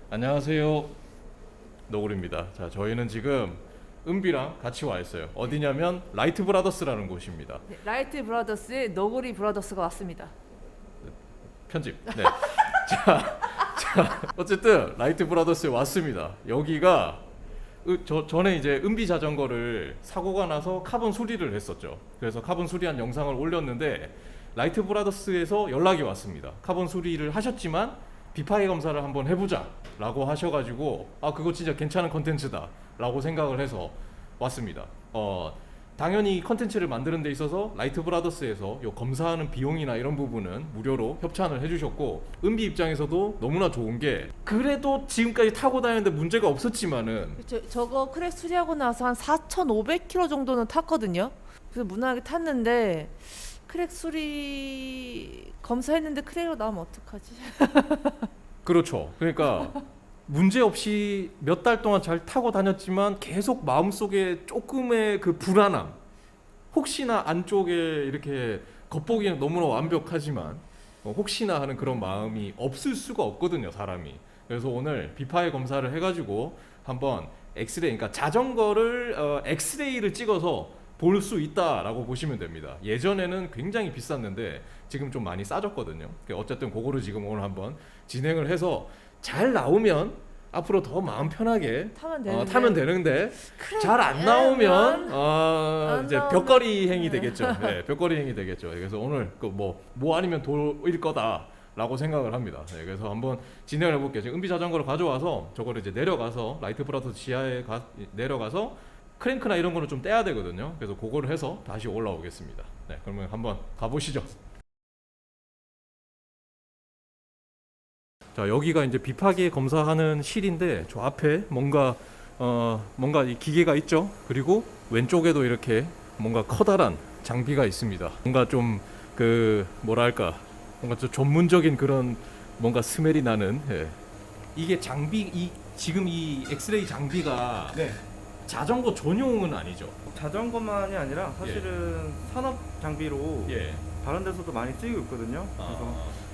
안녕하세요. 노골입니다. 자, 저희는 지금 은비랑 같이 와 있어요. 어디냐면 라이트 브라더스라는 곳입니다. 네, 라이트 브라더스의 너구리 브라더스가 왔습니다. 편집. 네. 자, 어쨌든 라이트 브라더스에 왔습니다. 여기가 전에 이제 은비 자전거를 사고가 나서 카본 수리를 했었죠. 그래서 카본 수리한 영상을 올렸는데 라이트 브라더스에서 연락이 왔습니다. 카본 수리를 하셨지만 비파이 검사를 한번 해보자 라고 하셔가지고 그거 진짜 괜찮은 컨텐츠다 라고 생각을 해서 왔습니다. 당연히 컨텐츠를 만드는 데 있어서 라이트 브라더스에서 요 검사하는 비용이나 이런 부분은 무료로 협찬을 해주셨고, 은비 입장에서도 너무나 좋은 게, 그래도 지금까지 타고 다니는데 문제가 없었지만은 저거 크랙 수리하고 나서 한 4,500km 정도는 탔거든요. 그래서 무난하게 탔는데 크랙 수리 검사했는데 크랙으로 나오면 어떡하지? 그렇죠. 그러니까 문제 없이 몇 달 동안 잘 타고 다녔지만 계속 마음속에 조금의 그 불안함, 혹시나 안쪽에 이렇게 겉보기는 너무나 완벽하지만 혹시나 하는 그런 마음이 없을 수가 없거든요, 사람이. 그래서 오늘 비파의 검사를 해가지고 한번 엑스레이, 그러니까 자전거를 엑스레이를 찍어서 볼 수 있다라고 보시면 됩니다. 예전에는 굉장히 비쌌는데 지금 좀 많이 싸졌거든요. 어쨌든 그거를 지금 오늘 한번 진행을 해서 잘 나오면 앞으로 더 마음 편하게 타면 되는데 잘 안 나오면 이제 벽걸이 행위 되겠죠. 네, 벽걸이 행위 되겠죠. 그래서 오늘 뭐 아니면 돌일 거다라고 생각을 합니다. 네, 그래서 한번 진행을 해볼게요. 지금 은비 자전거를 가져와서 저거를 이제 내려가서 라이트 브라더스 지하에 내려가서 크랭크나 이런 거는 좀 떼야 되거든요. 그래서 그거를 해서 다시 올라오겠습니다. 네, 그러면 한번 가보시죠. 자, 여기가 이제 비파기 검사하는 실인데, 저 앞에 뭔가 이 기계가 있죠. 그리고 왼쪽에도 이렇게 뭔가 커다란 장비가 있습니다. 뭔가 좀 뭐랄까, 뭔가 좀 전문적인 그런 뭔가 스멜이 나는. 예. 이게 지금 이 엑스레이 장비가 네. 자전거 전용은 아니죠. 자전거만이 아니라 사실은 산업 장비로 예. 다른 데서도 많이 쓰이고 있거든요. 그래서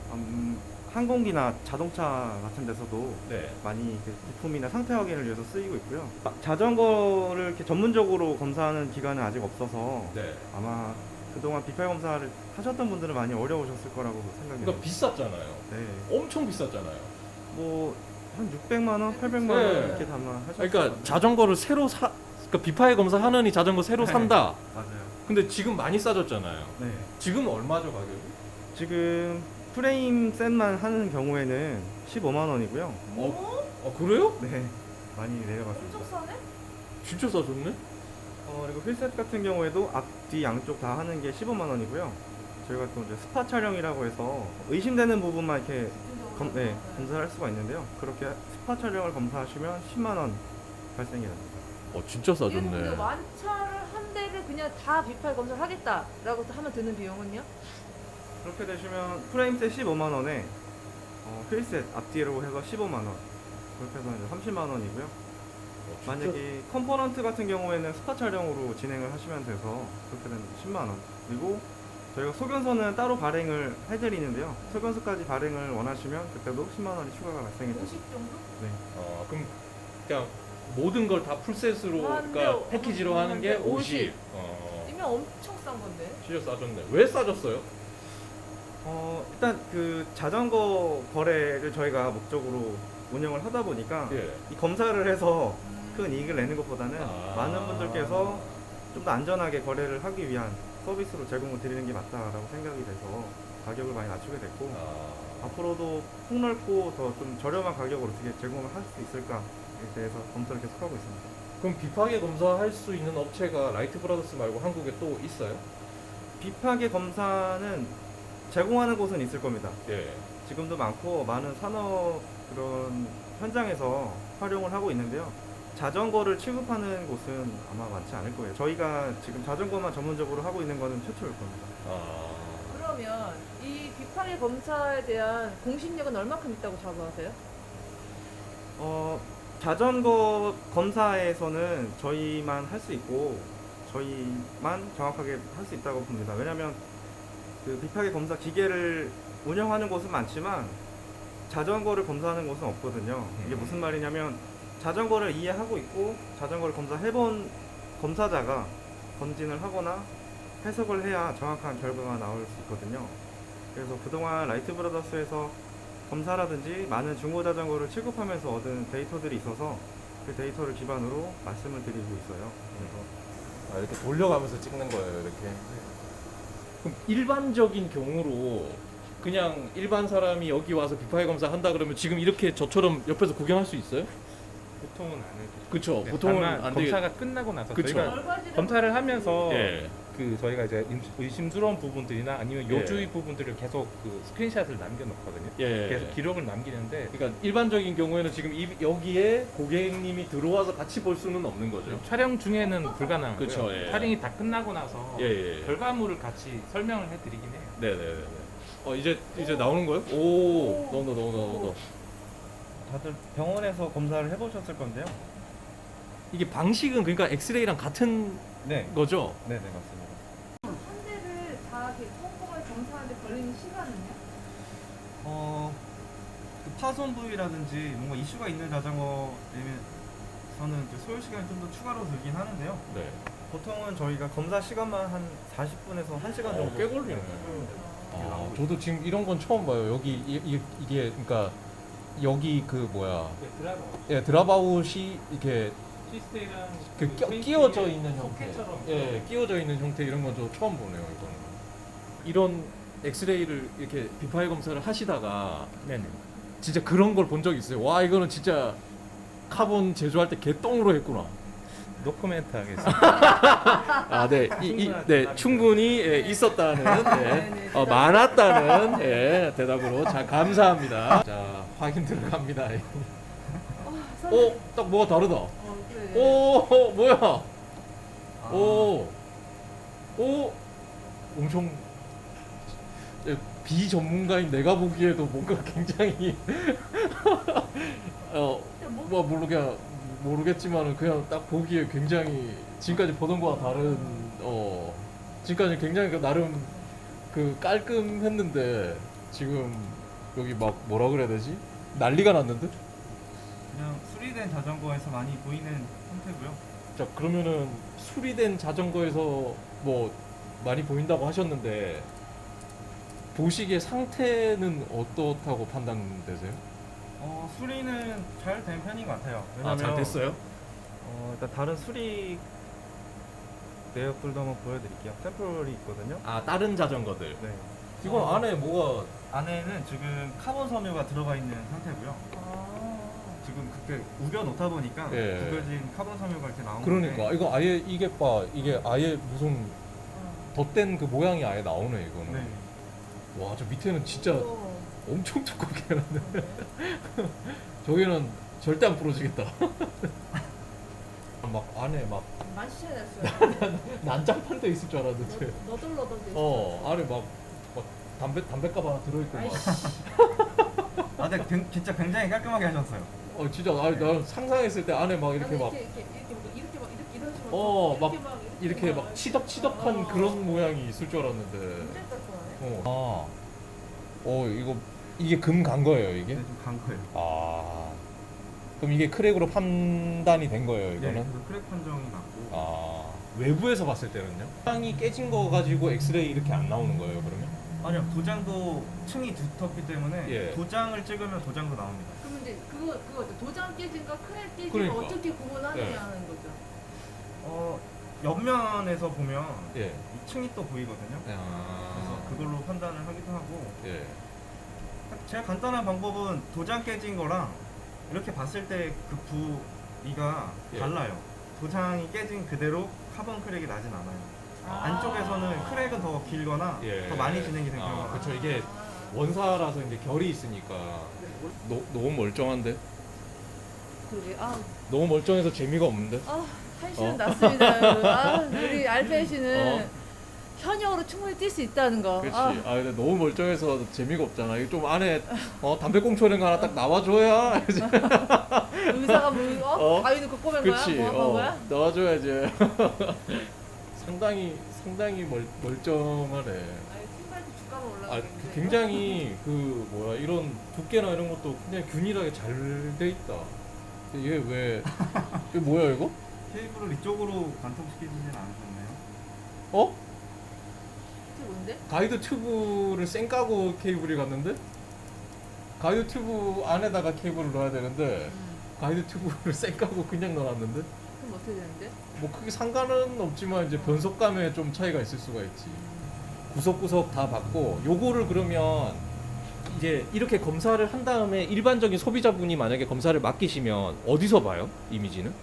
항공기나 자동차 같은 데서도 네. 많이 부품이나 상태 확인을 위해서 쓰이고 있고요. 자전거를 이렇게 전문적으로 검사하는 기관은 아직 없어서 네. 아마 그동안 비팔 검사를 하셨던 분들은 많이 어려우셨을 거라고 생각이 그러니까 해요. 비쌌잖아요. 네. 엄청 비쌌잖아요. 뭐 한 600만 원, 800만 원 네. 이렇게 담아 하셨어요. 그러니까 자전거를 새로 그러니까 비파이 검사 하느니 자전거 새로 네. 산다. 맞아요. 근데 지금 많이 싸졌잖아요. 네. 지금 얼마죠, 가격이? 지금 프레임 셋만 하는 경우에는 15만 원이고요. 그래요? 네, 많이 내려갔습니다. 싸네? 진짜 싸졌네? 그리고 휠셋 같은 경우에도 앞, 뒤 양쪽 다 하는 게 15만 원이고요. 저희가 또 이제 스파 촬영이라고 해서 의심되는 부분만 이렇게 검사를 할 수가 있는데요. 그렇게 스파 촬영을 검사하시면 10만 원 발생이 됩니다. 진짜 근데 싸졌네. 완차를 한 대를 그냥 다 비팔 검사를 하겠다라고 하면 드는 비용은요? 그렇게 되시면 프레임셋 15만 원에 휠셋 앞뒤로 해서 15만 원, 그렇게 해서 이제 30만 원이고요. 만약에 컴포넌트 같은 경우에는 스파 촬영으로 진행을 하시면 돼서 그렇게 되면 10만 원. 그리고 저희가 소견서는 따로 발행을 해드리는데요. 소견서까지 발행을 원하시면 그때도 10만 원이 추가가 발생이 됩니다. 50 정도? 네. 그럼 그냥 모든 걸 다 풀셋으로, 그러니까 패키지로 하는 게 50. 이면 엄청 싼 건데. 진짜 싸졌네. 왜 싸졌어요? 일단 그 자전거 거래를 저희가 목적으로 운영을 하다 보니까 예. 이 검사를 해서 큰 이익을 내는 것보다는 많은 분들께서 좀 더 안전하게 거래를 하기 위한 서비스로 제공을 드리는 게 맞다라고 생각이 돼서 가격을 많이 낮추게 됐고, 앞으로도 폭넓고 더 좀 저렴한 가격으로 어떻게 제공을 할 수 있을까에 대해서 검토를 계속하고 있습니다. 그럼 비파게 검사할 수 있는 업체가 라이트 브라더스 말고 한국에 또 있어요? 비파게 검사는 제공하는 곳은 있을 겁니다. 예. 지금도 많고 많은 산업 그런 현장에서 활용을 하고 있는데요. 자전거를 취급하는 곳은 아마 많지 않을 거예요. 저희가 지금 자전거만 전문적으로 하고 있는 거는 최초일 겁니다. 그러면 이 비파리 검사에 대한 공신력은 얼마큼 있다고 자부하세요? 자전거 검사에서는 저희만 할 수 있고 저희만 정확하게 할 수 있다고 봅니다. 왜냐하면 그 비파게 검사 기계를 운영하는 곳은 많지만 자전거를 검사하는 곳은 없거든요. 이게 무슨 말이냐면 자전거를 이해하고 있고 자전거를 검사해본 검사자가 검진을 하거나 해석을 해야 정확한 결과가 나올 수 있거든요. 그래서 그동안 라이트 브라더스에서 검사라든지 많은 중고 자전거를 취급하면서 얻은 데이터들이 있어서 그 데이터를 기반으로 말씀을 드리고 있어요. 그래서 이렇게 돌려가면서 찍는 거예요, 이렇게. 그럼 일반적인 경우로 그냥 일반 사람이 여기 와서 비파이 검사 한다 그러면 지금 이렇게 저처럼 옆에서 구경할 수 있어요? 보통은 안 해도. 그쵸. 네, 보통은 다만 안 되겠. 검사가 끝나고 나서 그쵸. 저희가 검사를 하면서 예. 그 저희가 이제 의심스러운 부분들이나 아니면 예. 요주의 부분들을 계속 그 스크린샷을 남겨놓거든요. 예. 계속 기록을 남기는데 그러니까 일반적인 경우에는 지금 여기에 고객님이 들어와서 같이 볼 수는 없는 거죠. 촬영 중에는 불가능하고요. 그쵸, 예. 촬영이 다 끝나고 나서 예. 결과물을 같이 설명을 해드리긴 해요. 네네네. 이제 나오는 거예요? 오, 너무. 다들 병원에서 검사를 해보셨을 건데요. 이게 방식은 그러니까 엑스레이랑 같은 네, 거죠? 네네 맞습니다. 한 대를 다 이렇게 꼼꼼하게 검사하는데 걸리는 시간은요? 그 파손 부위라든지 뭔가 이슈가 있는 자전거에서는 이제 소요 시간이 좀 더 추가로 들긴 하는데요. 네. 보통은 저희가 검사 시간만 한 40분에서 1시간 정도. 꽤 걸리네. 저도 지금 이런 건 처음 봐요. 여기 이게 그러니까 여기 그 뭐야? 드라마 예, 드랍아웃이 이렇게 시스테이랑 그 끼워져 있는 형태. 예, 끼워져 있는 형태 이런 건 저 처음 보네요, 이거는. 이런 엑스레이를 이렇게 비파이 검사를 하시다가 네네. 진짜 그런 걸 본 적 있어요. 와, 이거는 진짜 카본 제조할 때 개똥으로 했구나. 노코멘트 하겠습니다. 아, 네, 네, 충분히 예, 있었다는, 네네. 많았다는 예, 대답으로 자 감사합니다. 자, 확인 들어갑니다. 오, 딱 뭐가 다르다. 그래. 오, 뭐야? 오, 엄청 비전문가인 내가 보기에도 뭔가 굉장히 뭐 모르겠지만은 그냥 딱 보기에 굉장히 지금까지 보던 거와 다른 지금까지 굉장히 나름 그 깔끔했는데 지금 여기 막 뭐라 그래야 되지? 난리가 났는데? 그냥 수리된 자전거에서 많이 보이는 형태고요. 자, 그러면은 수리된 자전거에서 뭐 많이 보인다고 하셨는데 보시기에 상태는 어떻다고 판단되세요? 수리는 잘 된 편인 것 같아요. 왜냐면 잘 됐어요? 일단 다른 수리 내역들도 한번 보여드릴게요. 샘플이 있거든요. 아, 다른 자전거들. 네. 이건 안에 뭐가 안에는 지금 카본 섬유가 들어가 있는 상태고요. 지금 그때 우겨 놓다 보니까 예. 구겨진 카본 섬유가 이렇게 나온 그러니까 건데. 이거 아예 이게 아예 무슨 덧댄 그 모양이 아예 나오네 이거는. 네. 와, 저 밑에는 진짜 엄청 두껍게 해놨네. 저기는 절대 안 부러지겠다. 막 안에 막 만시셔야 됐어요. 난장판돼 있을 줄 알았는데. 너덜너덜 돼. 안에 막 담배값 하나 들어있고 막. 근데 진짜 굉장히 깔끔하게 하셨어요. 진짜 나 상상했을 때 안에 막 이렇게 막 이렇게 이런 식으로 막 이렇게 막 치덕치덕한 그런 모양이 있을 줄 알았는데. 굉장히 깔끔하네. 이게 금 간 거예요, 이게? 네, 좀간 거예요. 그럼 이게 크랙으로 판단이 된 거예요, 이거는? 네, 그래서 크랙 판정이 났고. 외부에서 봤을 때는요? 도장이 깨진 거 가지고 엑스레이 이렇게 안 나오는 거예요, 그러면? 아니요, 도장도 층이 두텁기 때문에 예. 도장을 찍으면 도장도 나옵니다. 그러면 이제 그거 도장 깨진과 크랙 깨진 그러니까. 거 어떻게 구분하느냐는 네. 거죠. 옆면에서 보면 예. 이 층이 또 보이거든요. 그래서 그걸로 판단을 하기도 하고. 예. 제일 간단한 방법은 도장 깨진 거랑 이렇게 봤을 때 그 부위가 예. 달라요. 도장이 깨진 그대로 카본 크랙이 나진 않아요. 안쪽에서는 크랙은 더 길거나 예. 더 많이 진행이 된 경우가 많아요. 그렇죠. 이게 원사라서 이제 결이 있으니까 너무 멀쩡한데? 그러게. 너무 멀쩡해서 재미가 없는데? 한시는 났습니다, 여러분. 우리 알페 씨는 현역으로 충분히 뛸 수 있다는 거. 그렇지. 근데 너무 멀쩡해서 재미가 없잖아. 이거 좀 안에 담배꽁초 이런 거 하나 딱 나와줘야. 의사가 뭐 가위 넣고 꼬맨 거야? 그렇지. 뭐 한 거야? 나와줘야지. 상당히 멀쩡하네. 아니, 신발도 주가 땀을 아, 올라가는데. 굉장히 그 뭐야 이런 두께나 이런 것도 굉장히 균일하게 잘 돼 있다. 얘 왜? 이게 뭐야 이거? 케이블을 이쪽으로 관통시키지는 않으셨네요. 어? 이게 뭔데? 가이드 튜브를 쌩 까고 케이블이 갔는데? 가이드 튜브 안에다가 케이블을 넣어야 되는데 가이드 튜브를 쌩 까고 그냥 넣어놨는데? 그럼 어떻게 되는데? 뭐 크게 상관은 없지만 이제 변속감에 좀 차이가 있을 수가 있지. 구석구석 다 받고 요거를 그러면 이제 이렇게 검사를 한 다음에 일반적인 소비자분이 만약에 검사를 맡기시면 어디서 봐요? 이미지는?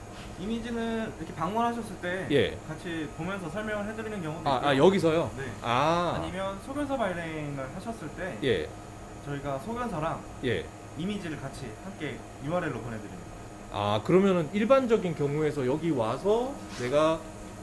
이미지는 이렇게 방문하셨을 때 예. 같이 보면서 설명을 해드리는 경우도 있고요. 아 여기서요? 네. 아. 아니면 소견서 발행을 하셨을 때 예. 저희가 소견서랑 예. 이미지를 같이 함께 URL로 보내드립니다. 아 그러면은 일반적인 경우에서 여기 와서 내가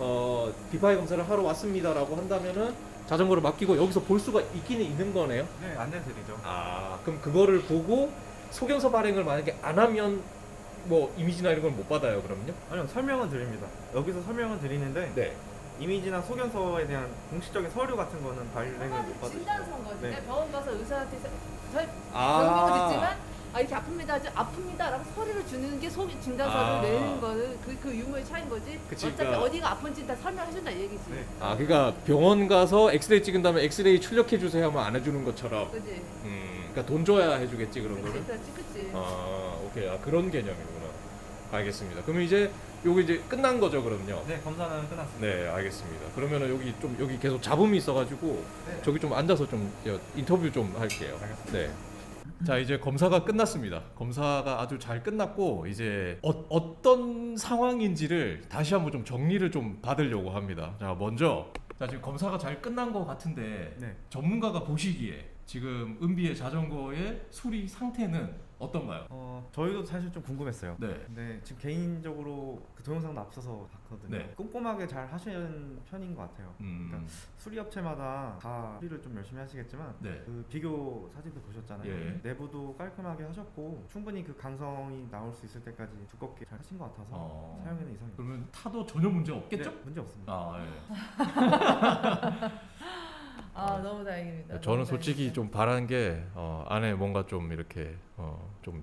디파이 검사를 하러 왔습니다라고 한다면은 자전거를 맡기고 여기서 볼 수가 있기는 있는 거네요. 네, 안내드리죠. 아 그럼 그거를 보고 소견서 발행을 만약에 안 하면 뭐 이미지나 이런 걸 못 받아요 그럼요? 아니요, 설명은 드립니다. 여기서 설명은 드리는데 네. 이미지나 소견서에 대한 공식적인 서류 같은 거는 발행을 못 받으시죠. 진단서인 거지. 네. 내가 병원 가서 의사한테 저희 아. 병명은 듣지만 이렇게 아픕니다 하지 아픕니다라고 서류를 주는 게 소비 진단서를 아. 내는 거는 그 유무의 차이인 거지. 그치, 어차피 그러니까- 어디가 아픈지 다 설명해준다 이 얘기지. 네. 아 그러니까 병원 가서 엑스레이 찍은 다음에 엑스레이 출력해 주세요 하면 안 해주는 것처럼. 그지? 그러니까 돈 줘야 해주겠지 그런 그치, 거를. 그렇지, 그치. 아 오케이 아 그런 개념이구나. 알겠습니다. 그러면 이제 요거 이제 끝난 거죠 그럼요? 네, 검사는 끝났습니다. 네 알겠습니다. 그러면은 여기 계속 잡음이 있어가지고 네. 저기 좀 앉아서 좀 인터뷰 좀 할게요. 알겠습니다. 네. 자 이제 검사가 끝났습니다. 검사가 아주 잘 끝났고 이제 어떤 상황인지를 다시 한번 좀 정리를 좀 받으려고 합니다. 자 먼저 자 지금 검사가 잘 끝난 것 같은데 네. 전문가가 보시기에 지금 은비의 자전거의 수리 상태는 어떤가요? 저희도 사실 좀 궁금했어요. 네. 근데 지금 개인적으로 그 동영상도 앞서서 봤거든요. 네. 꼼꼼하게 잘 하시는 편인 것 같아요. 음. 수리업체마다 다 수리를 좀 열심히 하시겠지만 네. 그 비교 사진도 보셨잖아요. 예. 내부도 깔끔하게 하셨고 충분히 그 강성이 나올 수 있을 때까지 두껍게 잘 하신 것 같아서 사용에는 이상이 그러면 타도 전혀 문제 없겠죠? 네, 문제 없습니다. 아 예. 아 너무 다행입니다. 저는 너무 솔직히 다행이다. 좀 바란 게 안에 뭔가 좀 이렇게 좀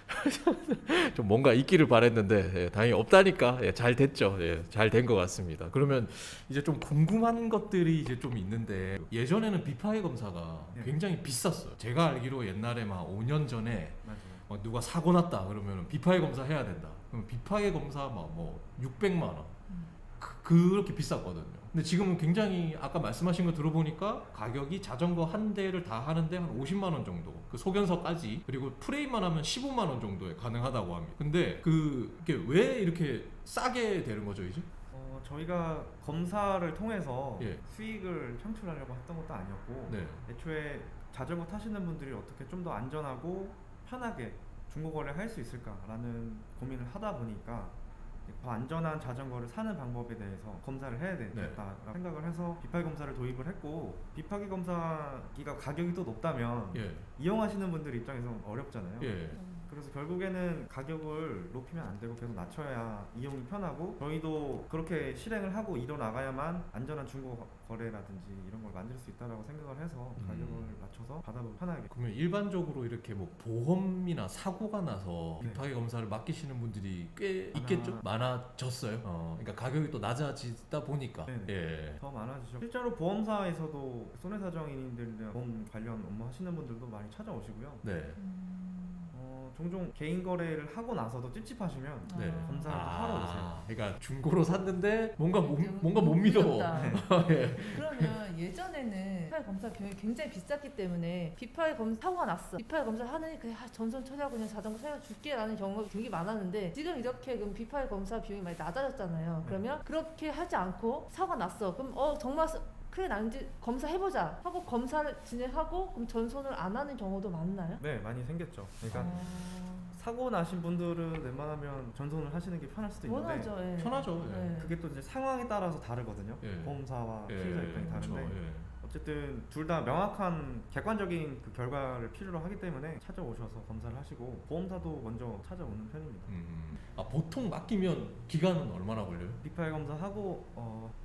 좀 뭔가 있기를 바랬는데 예, 다행히 없다니까 예, 잘 됐죠. 예, 잘 된 것 같습니다. 그러면 이제 좀 궁금한 것들이 이제 좀 있는데 예전에는 비파이 검사가 네. 굉장히 비쌌어요. 제가 알기로 옛날에 막 5년 전에 맞아요. 누가 사고 났다 그러면 비파이 검사 해야 된다. 그럼 비파이 검사 막 뭐 600만 원. 그렇게 비쌌거든요. 근데 지금은 굉장히 아까 말씀하신 거 들어보니까 가격이 자전거 한 대를 다 하는데 한 50만 원 정도. 그 소견서까지 그리고 프레임만 하면 15만 원 정도에 가능하다고 합니다. 근데 그게 왜 이렇게 싸게 되는 거죠, 이제? 저희가 검사를 통해서 예. 수익을 창출하려고 했던 것도 아니었고 네. 애초에 자전거 타시는 분들이 어떻게 좀 더 안전하고 편하게 중고거래를 할 수 있을까라는 고민을 하다 보니까 더 안전한 자전거를 사는 방법에 대해서 검사를 해야 되겠다라고 생각을 해서 비파기 검사를 도입을 했고 비파기 검사기가 가격이 또 높다면 예. 이용하시는 분들 입장에서 어렵잖아요. 예. 그래서 결국에는 가격을 높이면 안 되고 계속 낮춰야 이용이 편하고 저희도 그렇게 실행을 하고 이뤄나가야만 안전한 중고 거래라든지 이런 걸 만들 수 있다라고 생각을 해서 가격을 낮춰서 받아보기 편하게. 그러면 일반적으로 이렇게 뭐 보험이나 사고가 나서 네. 비파기 검사를 맡기시는 분들이 꽤 있겠죠? 많아졌어요. 그러니까 가격이 또 낮아지다 보니까. 네네. 예. 더 많아지죠. 실제로 보험사에서도 손해사정인들이나 보험 관련 업무 하시는 분들도 많이 찾아오시고요. 네. 종종 개인 거래를 하고 나서도 찝찝하시면 네. 검사를 하러 오세요. 그러니까 중고로 샀는데 뭔가 뭔가 못 너무 믿어. 어렵다. 예. 그러면 예전에는 비파이 검사 비용이 굉장히 비쌌기 때문에 비파이 검사 사고가 났어. 비파이 검사 하느니 그냥 전선 처리하고 그냥 자전거 사용줄게라는 경우가 되게 많았는데 지금 이렇게 그럼 비파이 검사 비용이 많이 낮아졌잖아요. 그러면 그렇게 하지 않고 사고가 났어. 그럼 정말 그래 난지 검사해보자 하고 검사를 진행하고 그럼 전손을 안 하는 경우도 많나요? 네, 많이 생겼죠. 그러니까 사고 나신 분들은 웬만하면 전손을 하시는 게 편할 수도 있는데 원하죠. 예. 편하죠. 예. 네. 그게 또 이제 상황에 따라서 다르거든요. 예. 보험사와 예. 피해자 입장이 다른데 그렇죠. 예. 어쨌든 둘 다 명확한 객관적인 그 결과를 필요로 하기 때문에 찾아오셔서 검사를 하시고 보험사도 먼저 찾아오는 편입니다. 보통 맡기면 기간은 얼마나 걸려요? 비파이 검사하고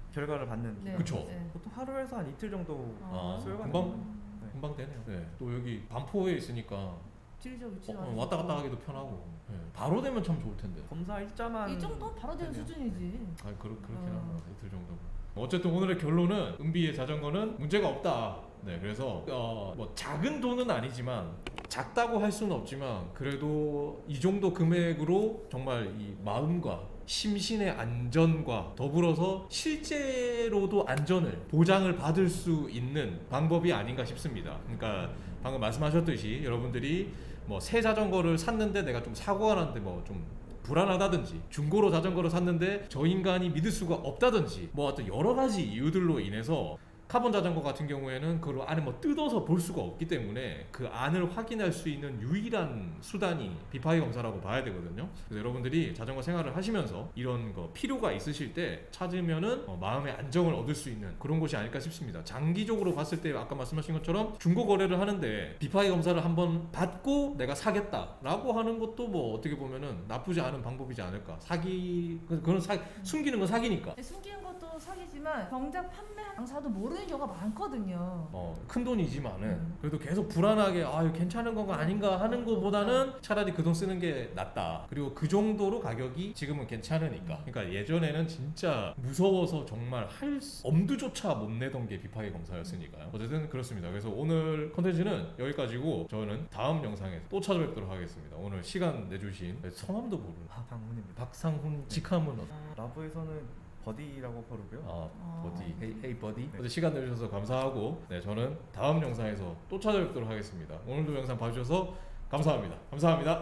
결과를 받는 네. 기간. 그쵸. 네. 보통 하루에서 한 이틀 정도 아, 소요가 금방 됩니다. 네. 금방 되네요. 네. 또 여기 반포에 있으니까 지리적 위치도 왔다 갔다 하기도 편하고 네. 바로 되면 참 좋을 텐데. 검사 일자만 이 정도 바로 되는 되네요. 수준이지. 그렇긴 합니다. 이틀 정도. 어쨌든 오늘의 결론은 은비의 자전거는 문제가 없다. 네, 그래서 뭐 작은 돈은 아니지만 작다고 할 수는 없지만 그래도 이 정도 금액으로 정말 이 마음과 심신의 안전과 더불어서 실제로도 안전을 보장을 받을 수 있는 방법이 아닌가 싶습니다. 그러니까 방금 말씀하셨듯이 여러분들이 뭐 새 자전거를 샀는데 내가 좀 사고가 났는데 뭐 좀 불안하다든지 중고로 자전거를 샀는데 저 인간이 믿을 수가 없다든지 뭐 어떤 여러 가지 이유들로 인해서 카본 자전거 같은 경우에는 그걸 안에 뭐 뜯어서 볼 수가 없기 때문에 그 안을 확인할 수 있는 유일한 수단이 비파이 검사라고 봐야 되거든요. 그래서 여러분들이 자전거 생활을 하시면서 이런 거 필요가 있으실 때 찾으면은 마음의 안정을 얻을 수 있는 그런 곳이 아닐까 싶습니다. 장기적으로 봤을 때 아까 말씀하신 것처럼 중고 거래를 하는데 비파이 검사를 한번 받고 내가 사겠다라고 하는 것도 뭐 어떻게 보면은 나쁘지 않은 방법이지 않을까. 숨기는 건 사기니까. 근데 숨기는 것도 사기지만 정작 판매 당사도 모르는 경우가 많거든요. 큰 돈이지만은 그래도 계속 불안하게 이거 괜찮은 건가 아닌가 하는 것보다는 차라리 그 돈 쓰는 게 낫다. 그리고 그 정도로 가격이 지금은 괜찮으니까. 그러니까 예전에는 진짜 무서워서 정말 엄두조차 못 내던 게 비파이 검사였으니까요. 어쨌든 그렇습니다. 그래서 오늘 컨텐츠는 여기까지고 저는 다음 영상에서 또 찾아뵙도록 하겠습니다. 오늘 시간 내주신 성함도 모르는 방문입니다. 박상훈 직함은 라브에서는 버디라고 부르고요. 버디, 헤이 버디. 네. 어제 시간 내주셔서 감사하고, 네 저는 다음 영상에서 또 찾아뵙도록 하겠습니다. 오늘도 영상 봐주셔서 감사합니다. 감사합니다.